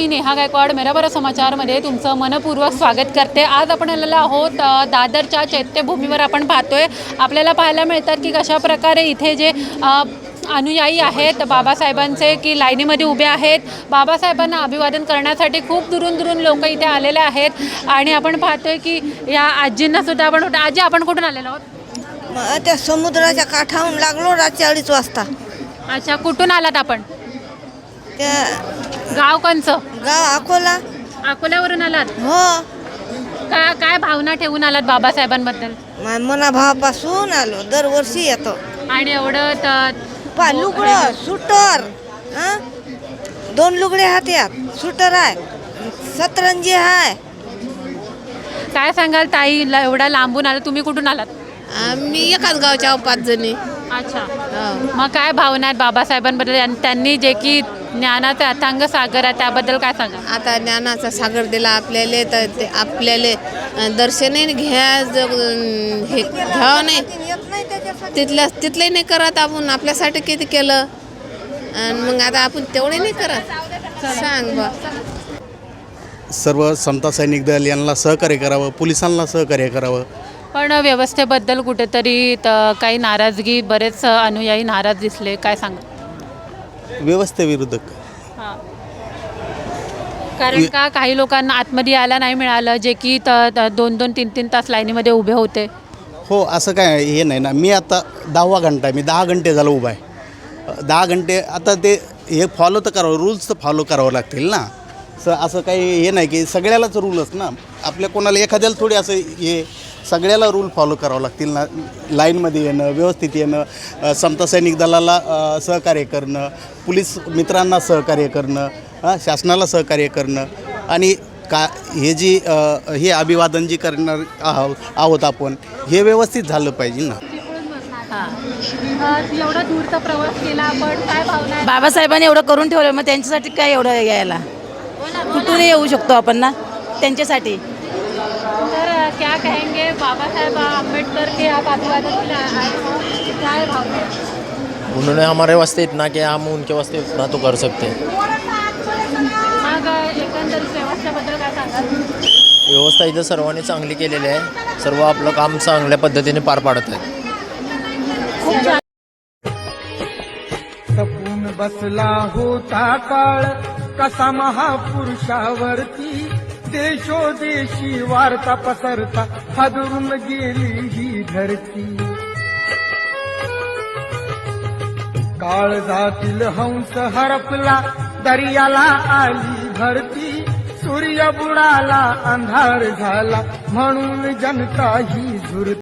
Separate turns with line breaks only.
मी नेहा गायकवाड मेरा बरा समाचारमध्ये तुमचं मनपूर्वक स्वागत करते। आज आपण आलेलो आहोत दादरच्या चैत्यभूमीवर। आपण पाहतोय आपल्याला पाहायला मिळतात की कशा प्रकारे इथे जे अनुयायी आहेत बाबासाहेबांचे की लाईनीमध्ये उभे आहेत। बाबासाहेबांना अभिवादन करण्यासाठी खूप दुरून लोक इथे आलेले आहेत आणि आपण पाहतोय की या आजींना सुद्धा आपण आजी आपण कुठून आलेलो आहोत?
त्या समुद्राच्या काठावरून लागलो रात्री 2:30 वाजता।
अच्छा, कुठून आलात आपण?
त्या
गाव कोणचं?
गाव अकोला।
अकोल्यावरून आलात?
हो।
काय भावना ठेवून आलात बाबासाहेबांबद्दल?
मनाभावापासून आलो, दरवर्षी येतो।
आणि एवढं
लुगडं सुटर, 2 लुगडे हातात, सुटर आहे, सतरंजी आहे।
काय सांगाल ताई, एवढा लांबून आला, तुम्ही कुठून आलात?
आम्ही एकाच गावच्या 5 जणी।
अच्छा, मग काय भावना आहेत बाबासाहेबांबद्दल आणि त्यांनी जे की ज्ञानाचा अथांग सागर आहे त्याबद्दल काय सांगा?
आता ज्ञानाचा सागर दिला आपल्याला, तर ते आपल्याला दर्शनही हे घ्यावं नाही, तिथले नाही करत आपण, आपल्यासाठी किती केलं आणि मग आता आपण तेवढे नाही करत। सांग बा,
सर्व समता सैनिक दल यांना सहकार्य करावं, पोलिसांना सहकार्य करावं।
पण व्यवस्थेबद्दल कुठेतरी काही नाराजगी, बरेच अनुयायी नाराज दिसले, काय सांगा?
व्यवस्थेविरुद्ध
कारण का काही लोकांना आतमध्ये यायला नाही मिळालं, जे की 2-2, 3-3 तास लाईनीमध्ये उभे होते।
हो, असं काय हे नाही ना, मी आता 10वा घंटा आहे, मी 10 घंटे झालं उभा आहे। 10 घंटे आता ते हे फॉलो तर करावं, रूल्स तर फॉलो करावं लागतील ना। असं काही हे नाही की सगळ्यालाच रूलच ना, आपल्या कोणाला एखाद्याला थोडी असं हे सगळ्याला रूल फॉलो करावं लागतील ना। लाईनमध्ये येणं, व्यवस्थित येणं, समता सैनिक दलाला सहकार्य करणं, पोलीस मित्रांना सहकार्य करणं, शासनाला सहकार्य करणं आणि हे जी हे अभिवादन जी करणार आहोत आपण, हे व्यवस्थित झालं पाहिजे ना।
एवढा दूरचा प्रवास केला आपण, काय भावना आहे?
बाबासाहेबांनी एवढं करून ठेवलं, मग त्यांच्यासाठी काय एवढं यायला, कुठूनही येऊ शकतो आपण ना त्यांच्यासाठी।
तर क्या कहेंगे बाबा साहेब आम्बेडकर के आप अभिवादन के लिए आए हो, क्या भावना है?
उन्होंने हमारे वास्ते इतना किया, हम उनके वास्ते इतना तो कर सकते हैं।
मग एकंदरीत व्यवस्थेबद्दल काय सांगाल?
व्यवस्था इथं सर्वांनी चांगली केलेली आहे, सर्व आपलं काम चांगल्या पद्धतीने पार पाडत आहेत।
तपून बसला होता काळ कसा महापुरुषावरती, देशोदेशी वार्ता पसरता हादरून गेली ही धरती। काळजातील हंस हरपला, दर्याला आली भरती, सूर्य बुडाला अंधार झाला, म्हणून जनता ही झुरती।